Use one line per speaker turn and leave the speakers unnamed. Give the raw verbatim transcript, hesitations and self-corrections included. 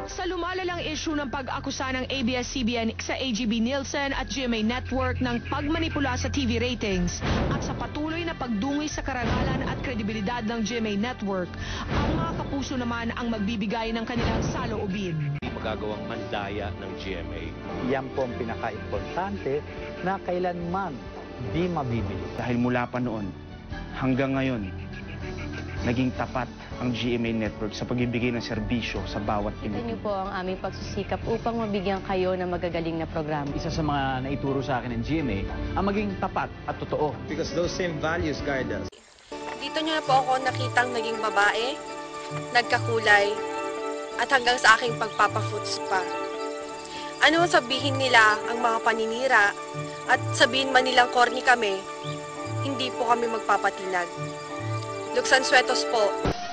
Sa lumalalang issue ng pag-akusa ng A B S C B N sa A G B Nielsen at G M A Network ng pagmanipula sa T V ratings at sa patuloy na pagdungi sa karangalan at kredibilidad ng G M A Network, ang mga kapuso naman ang magbibigay ng kanilang saloobin.
Magagawang mandaya ng G M A.
Yan po ang pinaka-importante na kailanman di mabibili.
Dahil mula pa noon hanggang ngayon, naging tapat ang G M A Network sa pagbibigay ng serbisyo sa bawat
Kita
Pilipino.
niyo po ang aming pagsusikap upang mabigyan kayo ng magagaling na programa.
Isa sa mga naituro sa akin ng G M A ang maging tapat at totoo.
Because those same values guide us.
Dito nyo na po ako nakitang naging babae, nagkakulay, at hanggang sa aking pagpapafoots pa. Ano sabihin nila ang mga paninira at sabihin man nilang corny kami, hindi po kami magpapatinag. Luxan Suetos po.